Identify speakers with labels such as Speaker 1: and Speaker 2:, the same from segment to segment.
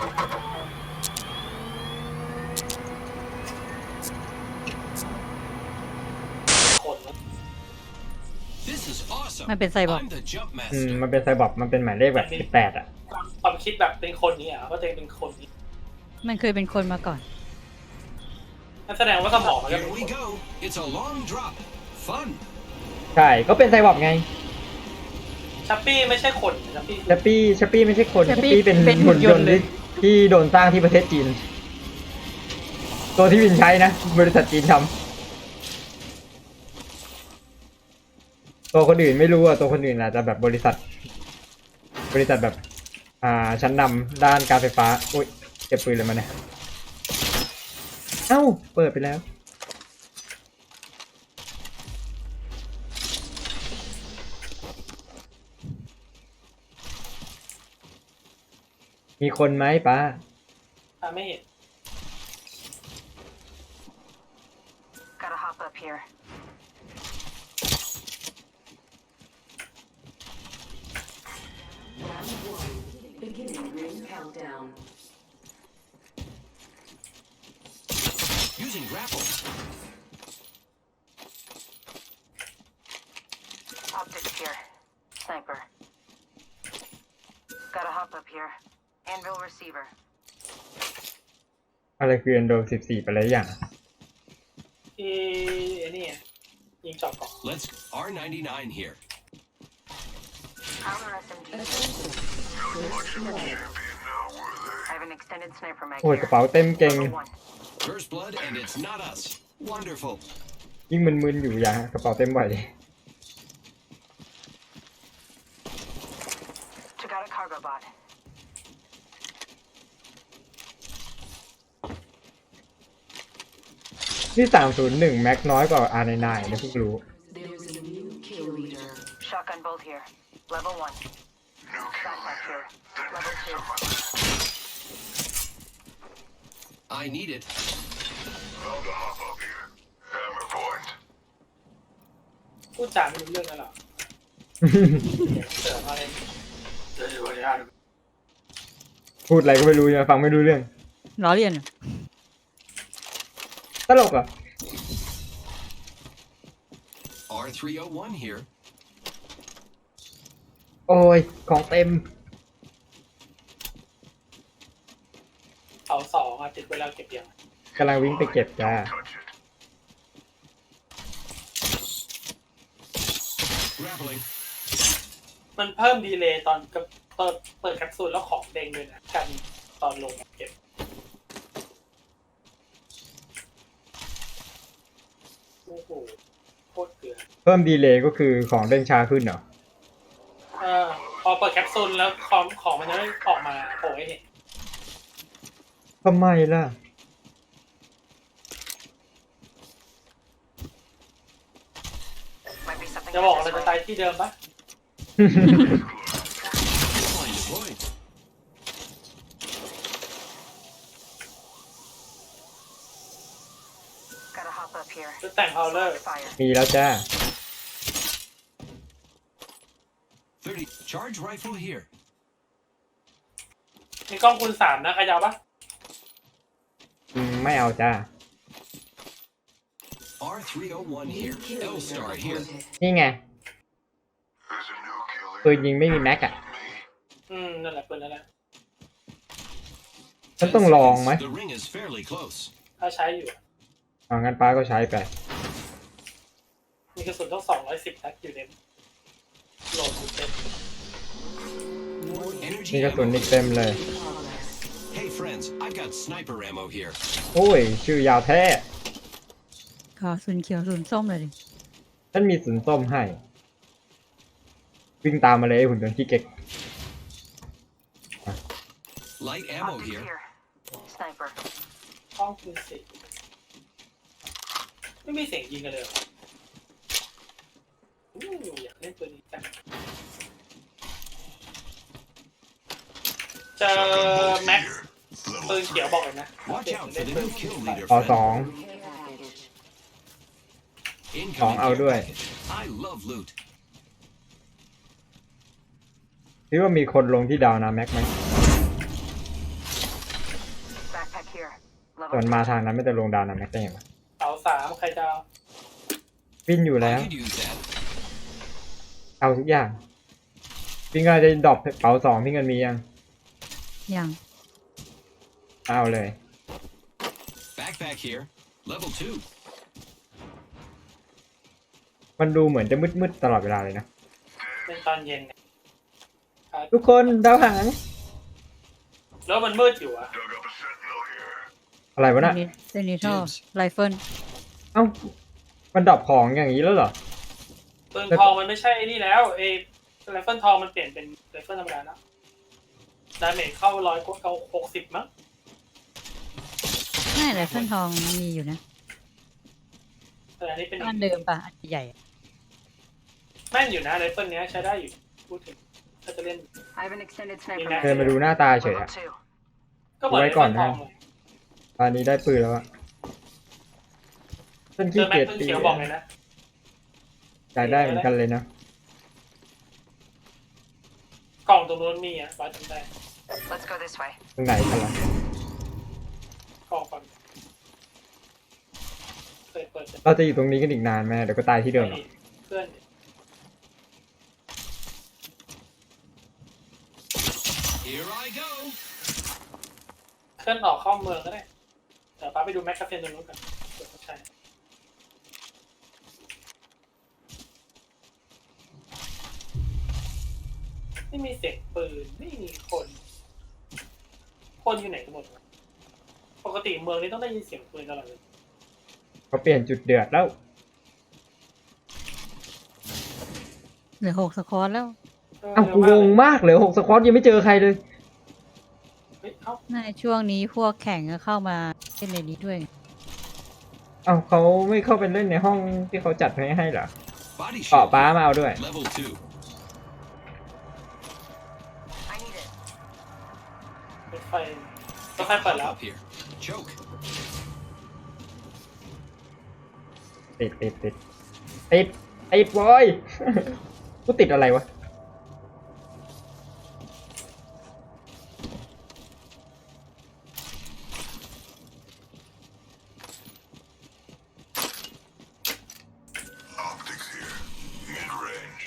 Speaker 1: มันเป็นไซบอร์ก
Speaker 2: มันเป็นไซบอร์กมันเป็นหมายเลขแบบ18อ่ะ
Speaker 3: ความคิดแบบเป็นคนนี้อ่ะก็จะเป็นคนนี้
Speaker 1: มันเคยเป็นคนมาก่อน
Speaker 3: นั่นแสดงว่าสมองมันก็เป็นคน
Speaker 2: ใช่ก็เป็นไซบอร์กไง
Speaker 3: ชัปปี้ไม่ใช่คนชัป
Speaker 2: ปี้ไม่ใช่คนชัปปี้เป็นหุ่นยนต์ที่โดนสร้างที่ประเทศจีนตัวที่วินใช้นะบริษัทจีนทำตัวคนอื่นไม่รู้อ่ะตัวคนอื่นอาจจะแบบบริษัทแบบชั้นนำด้านการไฟฟ้าอุ้ยเก็บปืนเลยมาเนี่ยเอ้าเปิดไปแล้วมีคนไหมป้า
Speaker 3: ไม่เห็น
Speaker 4: Gotta hop up here. Beginning ring countdown.
Speaker 5: Using grapple.
Speaker 4: Optics here. Sniper. Gotta hop up here. Anvil receiver.
Speaker 2: อะไรคือ Endo 14ไปแล้วอย่าง
Speaker 3: นี่ยิงจอบก่อน
Speaker 5: Let's R99 here.
Speaker 4: Counter SMG. I have an extended sniper mag
Speaker 2: โอ้ย
Speaker 4: here.
Speaker 2: กระเป๋าเต็มเก่ง
Speaker 4: Level 1.
Speaker 5: First blood and it's not us. Wonderful.
Speaker 2: ยิ่งมึนๆอยู่อย่างกระเป๋าเต็มไหว
Speaker 4: Took out a cargo bot.
Speaker 2: ที่301แม็กน้อยกว่า R99 นะเพิ่งรู้
Speaker 4: There's a new kill leader. Shotgun bolt here. Level 1. Backpack here. Level 2.
Speaker 5: I need it.
Speaker 6: Found a hop up here. Hammer point.
Speaker 3: พูดจาไม่รู้เรื่องนั่นหรอเสือมาเลยเดี๋ยวจะ
Speaker 2: พูดอะไรก็ไม่รู้นะฟังไม่รู้เรื่อง
Speaker 1: ล้อเลียน
Speaker 2: ตลกอ่ะ
Speaker 5: R301 here.
Speaker 2: โอ้ยของเต็ม
Speaker 3: เขาสองติดเวลาเก็บยัง
Speaker 2: กำลังวิ่งไปเก็บจ้า
Speaker 6: Touch it.
Speaker 5: Grappling.
Speaker 3: มันเพิ่มดีเลย์ตอนเปิดแคปซูลแล้วของเด้งด้วยนะกันตอนลงเก็บโอ้โหโคตรเกลือ
Speaker 2: เพิ่มดีเลย์ก็คือของเด้งช้าขึ้นเหรอ
Speaker 3: พอเปิดแคปซูลแล้วของมันจะไม่ออกมาโผล่ให้เห็น
Speaker 2: ทำไมล่ะ
Speaker 4: Might be something
Speaker 3: จะบอก
Speaker 4: this
Speaker 3: เราจะ
Speaker 4: way.
Speaker 3: ตายที่เดิมปะ
Speaker 5: Line deployed.
Speaker 4: Gotta hop up here.
Speaker 3: จะแต่งพาวเลอร์
Speaker 4: Fire.
Speaker 2: มีแล้วจ้า
Speaker 5: 30. Charge rifle here.
Speaker 3: มีกล้องคูณ3นะใครจะเอาปะ
Speaker 2: ไม่เอาจ้า
Speaker 5: R301 here. L-Star here.
Speaker 2: นี่ไง
Speaker 6: There's a new killer.
Speaker 2: ปืนยิงไม่มีแม็กอ่ะ
Speaker 3: นั่นแหละปืนนั่นแหละ
Speaker 2: ฉันต้องลองไหม
Speaker 5: The ring is fairly close.
Speaker 3: ถ้าใช้อยู่
Speaker 2: งั้นป้าก็ใช้ไป
Speaker 3: มีกระสุนต้อง210นัดอยู่ในโหลดอยู่เต็ม
Speaker 5: Energy
Speaker 2: มีกระสุน
Speaker 5: ammo
Speaker 2: อีกเต็มเลย
Speaker 5: Hey friends, I've got sniper ammo here.
Speaker 2: โอ้ย ชื่อยาวแท้
Speaker 1: ขอศูนย์เขียวศูนย์ส้มเลยดิ
Speaker 2: ฉันมีสุนส้มให้ วิ่งตามมาเลยไอ้หุ่นยนต์ขี้เก๊ก
Speaker 5: Light ammo
Speaker 4: Optics
Speaker 5: here.
Speaker 4: here. Sniper.
Speaker 3: กล้องคูณ10ไม่มีเสียงยิงกันเลยเหรออยากเล่นตัวนี้จังเจอแม็กซ์ปืนเขียวบอกเลยนะ
Speaker 5: Watch out for the new kill leader.
Speaker 2: ขอ
Speaker 5: friend.
Speaker 2: สอง
Speaker 5: Incoming
Speaker 2: เอา
Speaker 5: care
Speaker 2: ด้วย
Speaker 5: package. I love loot.
Speaker 2: คิดว่ามีคนลงที่ดาวนาแม็กไหมส่วน
Speaker 4: Level
Speaker 2: มา
Speaker 4: 2.
Speaker 2: ทางนั้นไม่จะลงดาวนะแม็กได้ยังไง
Speaker 3: เสาสามใครจะเอา
Speaker 2: ปิ้นอยู่แล้ว
Speaker 5: I could use that.
Speaker 2: เอาทุกอย่างพี่เงินจะดรอปเป๋า2พี่เงินมียัง
Speaker 1: ยัง
Speaker 2: เอาเลย
Speaker 5: Backpack here. Level 2.
Speaker 2: มันดูเหมือนจะมืดๆตลอดเวลาเลยนะ
Speaker 3: เป็นตอนเย็นเนี่ย
Speaker 2: ทุกคนดาวหาง
Speaker 3: แล้วมันมืดอยู่อะ
Speaker 6: Dug up a sentinel here.
Speaker 2: อะไรวะน่ะ
Speaker 1: เซนิทอลไรเฟิล
Speaker 2: เอ้ามันดรอปของอย่างนี้แล้วเหรอ
Speaker 3: ปืนทองมันไม่ใช่ไอ้นี่แล้วไรเฟิลทองมันเปลี่ยนเป็นไรเฟิลธรรมดาแล้วดาเมจเข้า160มั้ง
Speaker 1: ใช่ไรเฟิลทองมีอยู่นะ
Speaker 3: แต่อันนี้เป็น
Speaker 1: บ้านเดิมปะอันใหญ่อะ
Speaker 3: แม่นอยู่นะไรเฟิลเนี้ยใช้ได้อยู่พูดถึงถ้าจะเล่น
Speaker 4: I have an extended sniper
Speaker 3: Yeah.
Speaker 4: mag
Speaker 2: เดินมาดูหน้าตาเฉย
Speaker 4: Level
Speaker 2: อะ
Speaker 4: 2.
Speaker 3: ก็เหมือน
Speaker 2: ไว้
Speaker 3: ไร
Speaker 2: ก่อ
Speaker 3: เฟิ
Speaker 2: น
Speaker 3: ล
Speaker 2: นะ
Speaker 3: ทองเลย
Speaker 2: ตอนนี้ได้ปืนแล้วอะฉัน
Speaker 3: เจ
Speaker 2: ขี้
Speaker 3: อแม็
Speaker 2: เกี
Speaker 3: ก
Speaker 2: ยจ
Speaker 3: ซ์
Speaker 2: ตี
Speaker 3: เขียวบอกเลยนะ
Speaker 2: อยากได้เหมือนกันเลยนะ
Speaker 3: กล่องตรงนู้นมีอ่ะบ้าจำได้
Speaker 4: Let's go this way.
Speaker 2: ตรงไหนกันล่ะ
Speaker 3: กล่องก่อนเคยเปิด
Speaker 2: เราจะอยู่ตรงนี้กันอีกนานไหมเดี๋ยวก็ตายที่เดิมหรอก
Speaker 3: เพื่อน
Speaker 5: Here I go.
Speaker 3: เคลื่อนออกเข้าเมืองก็ได้เดี๋ยวป้าไปดูแม็กคาเฟนตรงนู้นกันเดี๋ยวเขาใช้ไม่มีเสียงปืนไม่มีคนอยู่ไหนกันหมดวะปกติเมืองนี้ต้องได้ยินเสียงปืนตลอดเลย
Speaker 2: เขาเปลี่ยนจุดเดือดแล้ว
Speaker 1: เหลือ6 สควอตแล้ว
Speaker 2: เอ้ากูงงมากเลย6 สควอตยังไม่เจอใครเลย
Speaker 3: เฮ้ยเอ้า
Speaker 1: ในช่วงนี้พวกแข่งก็เข้ามาเล่นในนี้ด้วย
Speaker 2: เอ้าเขาไม่เข้าไปเล่นในห้องที่เขาจัดให้เหรอ
Speaker 5: Body
Speaker 2: เกาะ
Speaker 5: shield.
Speaker 2: ป้ามาเอาด้วย
Speaker 5: Level 2.
Speaker 4: I need it.
Speaker 3: รถไฟเปิดแล้ว
Speaker 5: Up here. Choke.
Speaker 2: ติดบอย กูติดอะไรวะ
Speaker 6: Optics here. Mid-range.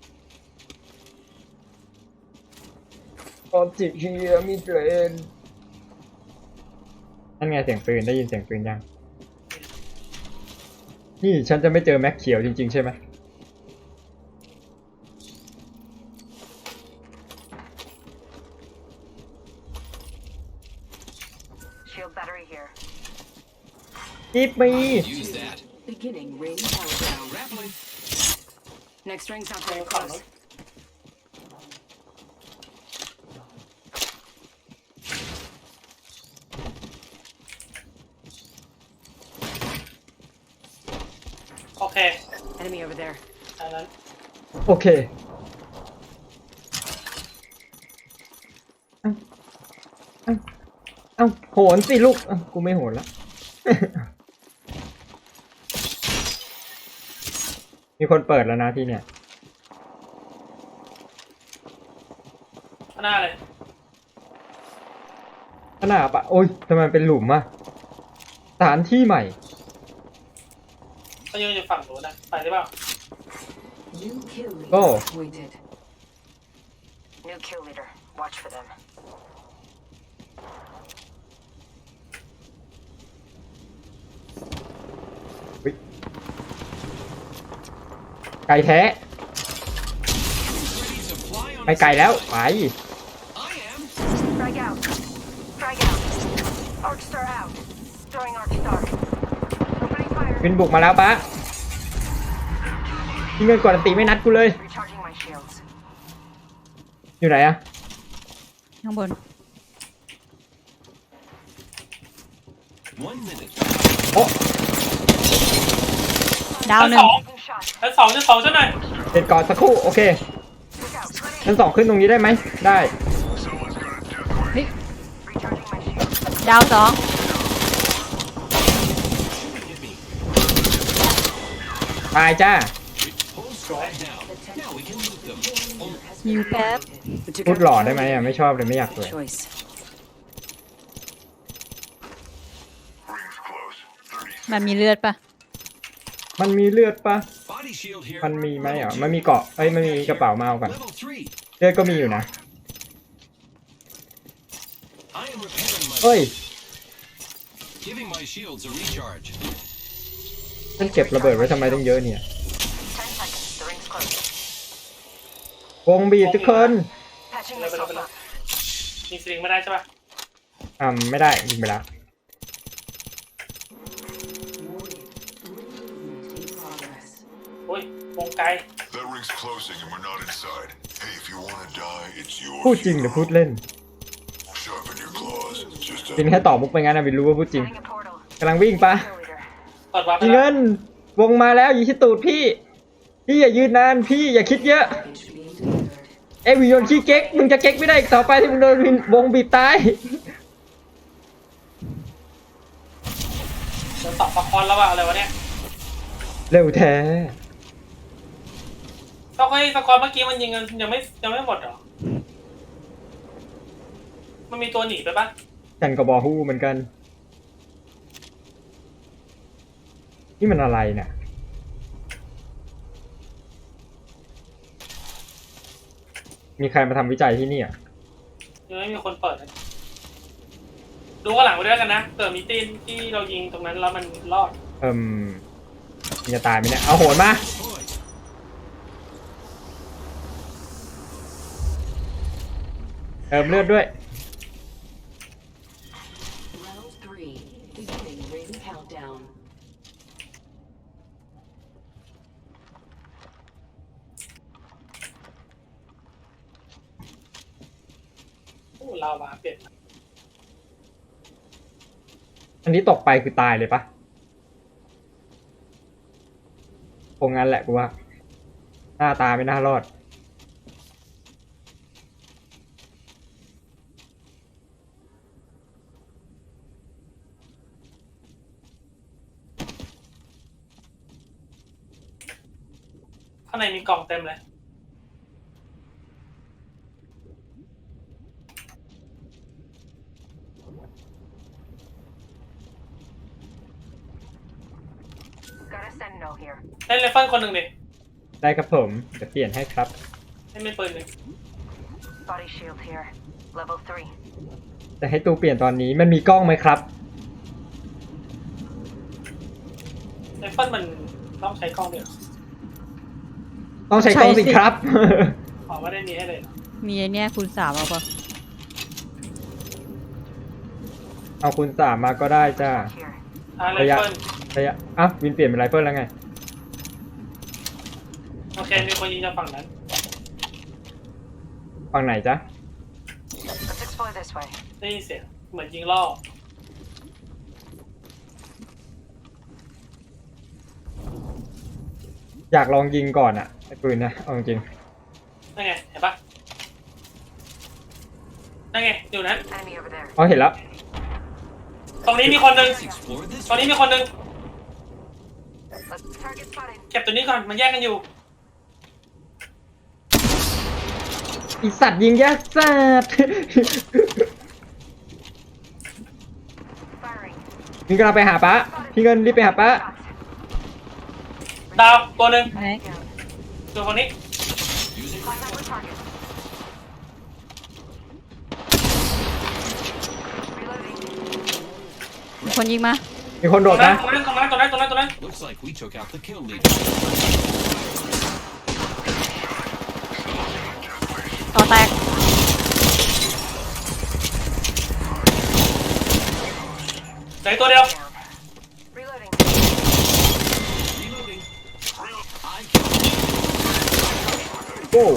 Speaker 2: ออบจิเฮียมีเทรนนั่นไงเสียงปืนได้ยินเสียงปืนยัง นี่ฉันจะไม่เจอแม็กเขียวจริงๆใช่ไหม
Speaker 4: Shield battery here.
Speaker 2: กิฟมี
Speaker 5: Use that.
Speaker 4: Beginning ring countdown.
Speaker 5: Grappling.
Speaker 4: Next ring's not
Speaker 3: เจอ
Speaker 4: very
Speaker 3: ฝั่ง
Speaker 4: close.
Speaker 3: นู้นโอเค
Speaker 4: Enemy over there.
Speaker 3: อันนั้น
Speaker 2: โอเค เอ้าโหนสิลูกเอ้ากูไม่โหนละ มีคนเปิดแล้วนะที่เนี่ย
Speaker 3: ข้างหน้าเลย
Speaker 2: ขนาดปะโอ้ยทำไมมันเป็นหลุมอะสถานที่ใหม่
Speaker 3: เขายืนอยู่ฝั่งนู้นนะไปได้เปล่า
Speaker 4: New kill leader
Speaker 2: Oh.
Speaker 4: appointed. New kill leader. Watch for them.
Speaker 2: ไกลแท้
Speaker 5: Ready to fly on
Speaker 2: ไปไกลแล้ว ไป
Speaker 5: I am.
Speaker 4: Frag out. Frag out. Arc star out. Throwing arc star. Opening fire.
Speaker 2: วินบุกมาแล้วปะที่เงินกดอันตีไม่นัดกูเลย
Speaker 4: Recharging my shields.
Speaker 2: อยู่ไหนอะ
Speaker 1: ข้างบน
Speaker 5: 1 minute.
Speaker 2: โอ้
Speaker 1: ดาวหนึ่ง
Speaker 4: Taking shot.
Speaker 3: ชั้นสองใช่ไหม
Speaker 2: เด็ดก่อนสักครู่ โอเค
Speaker 4: Look out. Grenade.
Speaker 2: ชั้น 2ขึ้นตรงนี้ได้ไหม ได้
Speaker 6: Someone's got a death ray.
Speaker 4: Recharging my shields.
Speaker 1: ดาว2
Speaker 5: Hit me.
Speaker 2: ตายจ้า
Speaker 5: Hold squad down. Now we can loot them. Oh,
Speaker 1: ฮิวแป๊บ
Speaker 2: พูดหล่อได้ไหมอะไม่ชอบเลยไม่อยากเลย
Speaker 4: Choice.
Speaker 1: มันมีเลือดปะ
Speaker 2: มันมีเลือดปะ
Speaker 5: Body shield here.
Speaker 2: มันมีไหมอ่ะมันมีเกราะเอ้ยมันมีกระเป๋ามาเอากัน
Speaker 5: Level 3.
Speaker 2: เลือดก็มีอยู่นะ
Speaker 5: I am repairing my
Speaker 2: เฮ้ย
Speaker 5: giving my shields a recharge.
Speaker 2: ฉันเก็บระเบิดไว้ทำไมต้องเยอะเนี่ย
Speaker 4: 10 seconds. The ring's close.
Speaker 2: วงบีบทุกคน
Speaker 4: Patching
Speaker 3: Level,
Speaker 4: myself
Speaker 3: level.
Speaker 4: up.
Speaker 3: ยิงสลิงไม่ได้ใช่ปะ
Speaker 2: ไม่ได้ยิงไปแล้ว
Speaker 3: โอ้ย วงไกล
Speaker 6: That ring's closing and we're not inside. Hey, if you wanna die, it's yours.
Speaker 2: พูดจริงหรือพูดเล่น
Speaker 6: Sharpen your claws. Just
Speaker 2: จริงแค่ตอบมุกไปงั้นนะวินรู้ว่าพูดจริง
Speaker 4: Setting a portal.
Speaker 2: กำลังวิ่งปะ
Speaker 4: Cheerleader.
Speaker 3: เปิดวาร์ปไป
Speaker 2: พี่
Speaker 3: แล้
Speaker 2: เงิ
Speaker 3: วน
Speaker 2: วงมาแล้วอยู่ที่ตูดพี่ พี่อย่ายืนนานพี่อย่าคิดเยอะเอ้ยวิญญาณขี้เก๊กมึงจะเก๊กไม่ได้อีกต่อไปที่มึงโดนวงบีบตาย
Speaker 3: เดี๋ยวตอบประคอนแล้วว่าอะไรวะเนี่ย
Speaker 2: เร็วแท้
Speaker 3: ต้องให้สกอร์เมื่อกี้มันยิงกันยังไม่หมดเหรอ มันมีตัวหนีไปปะ
Speaker 2: กันกับบอฮู้เหมือนกัน นี่มันอะไรเนี่ยมีใครมาทำวิจัยที่นี่อ่ะ
Speaker 3: ยังไม่มีคนเปิดเลยดูข้างหลังไปด้วยกันนะเกิดมีตีนที่เรายิงตรงนั้นแล้วมันรอด
Speaker 2: มันจะตายไหมเนี่ยเอาโหนมา
Speaker 5: Boy,
Speaker 2: เลือดด้วย
Speaker 7: Round 3, beginning ring countdown.
Speaker 3: โอ้เรามาเปลี่ยน
Speaker 2: อันนี้ตกไปคือตายเลยปะคงงั้นแหละกูว่า หน้าตาไม่น่ารอด
Speaker 3: ข้างในมีกล่องเต็มเลย
Speaker 4: Got a sentinel here.
Speaker 3: เล่นเลฟเฟิลคนหนึ่งดิ
Speaker 2: ได้ครับผมจะเปลี่ยนให้ครับ
Speaker 3: ให้ไม่ปืนหนึ่ง
Speaker 4: Body shield here. Level 3.
Speaker 2: แต่ให้ตูเปลี่ยนตอนนี้มันมีกล้องไหมครับ
Speaker 3: เลฟเฟิลมันต้องใช้กล้องเดียว
Speaker 2: ต้องใช้กล้องสิครับ
Speaker 3: ขอไม่ได้มีให้เลยเหรอ
Speaker 1: มีไอเนี้ยคูณ3เอาปะ
Speaker 2: เอาคุณสามมาก็ได้จ้า
Speaker 4: Here.
Speaker 3: เล
Speaker 2: ระ
Speaker 3: ฟ
Speaker 2: ยะ
Speaker 3: เฟิล
Speaker 2: ระยะวินเปลี่ยนเป็นไรเฟิลแล้วไง
Speaker 3: โอเคมีคนยิงจากฝั่งนั้น
Speaker 2: ฝั่งไหนจ๊ะ
Speaker 4: Let's explore this way.
Speaker 3: ได้ยินเสียงเหมือนยิงล่อ
Speaker 2: อยากลองยิงก่อนอะไอ้ปืนนะเอาจริง
Speaker 3: นั่นไงเห็นปะนั่นไงอยู่นั้น
Speaker 4: Enemy over there.
Speaker 2: อ๋อเห็นแล้ว
Speaker 3: ตรงนี้มีคนหนึ่ง
Speaker 5: let's explore this.
Speaker 3: ตรงนี้มีคนหนึ่ง
Speaker 4: Let's target spotted.
Speaker 3: เก็บตัวนี้ก่อนมันแยกกันอยู่
Speaker 2: อีสัตว์ยิงยากสัตว์
Speaker 4: Firing.
Speaker 2: พี่กำลังไปหาป้าพี่เงินรีบไปหาป้า
Speaker 4: Shots.
Speaker 3: ดาวตัวหนึ่ง
Speaker 1: ไหน
Speaker 4: Down.
Speaker 3: ตัวคนนี้
Speaker 5: Using
Speaker 4: Contact with target. Reloading.
Speaker 1: มีคนยิงมา
Speaker 2: มีคน
Speaker 3: ต
Speaker 2: โด
Speaker 3: รง
Speaker 2: ด
Speaker 3: นั้น
Speaker 2: นะ
Speaker 3: ตรงนั้นตรงนั้นตรงนั้นตรงนั้น
Speaker 5: looks like we took out the kill leader.
Speaker 1: ต่อแตก
Speaker 3: เหลือตัวเดียว
Speaker 4: Reloading.
Speaker 5: Reloading. I killed
Speaker 2: โอ้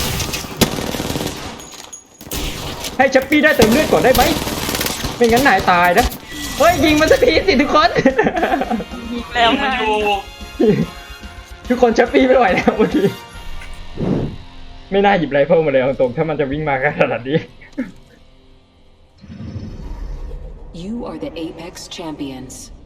Speaker 2: ให้ชัปปี้ได้เติมเลือดก่อนได้ไหมไม่งั้นนายตายนะเฮ้ยยิงมันสักทีสิทุกคน
Speaker 3: แล้วมันอยู่
Speaker 2: ทุกคนชัปปี้ไม่ไหวแล้วเมื่อกี้ไม่น่าหยิบไรเฟิลมาเลยเอาตรงถ้ามันจะวิ่งมาขนาดนี้
Speaker 7: You are the Apex champions.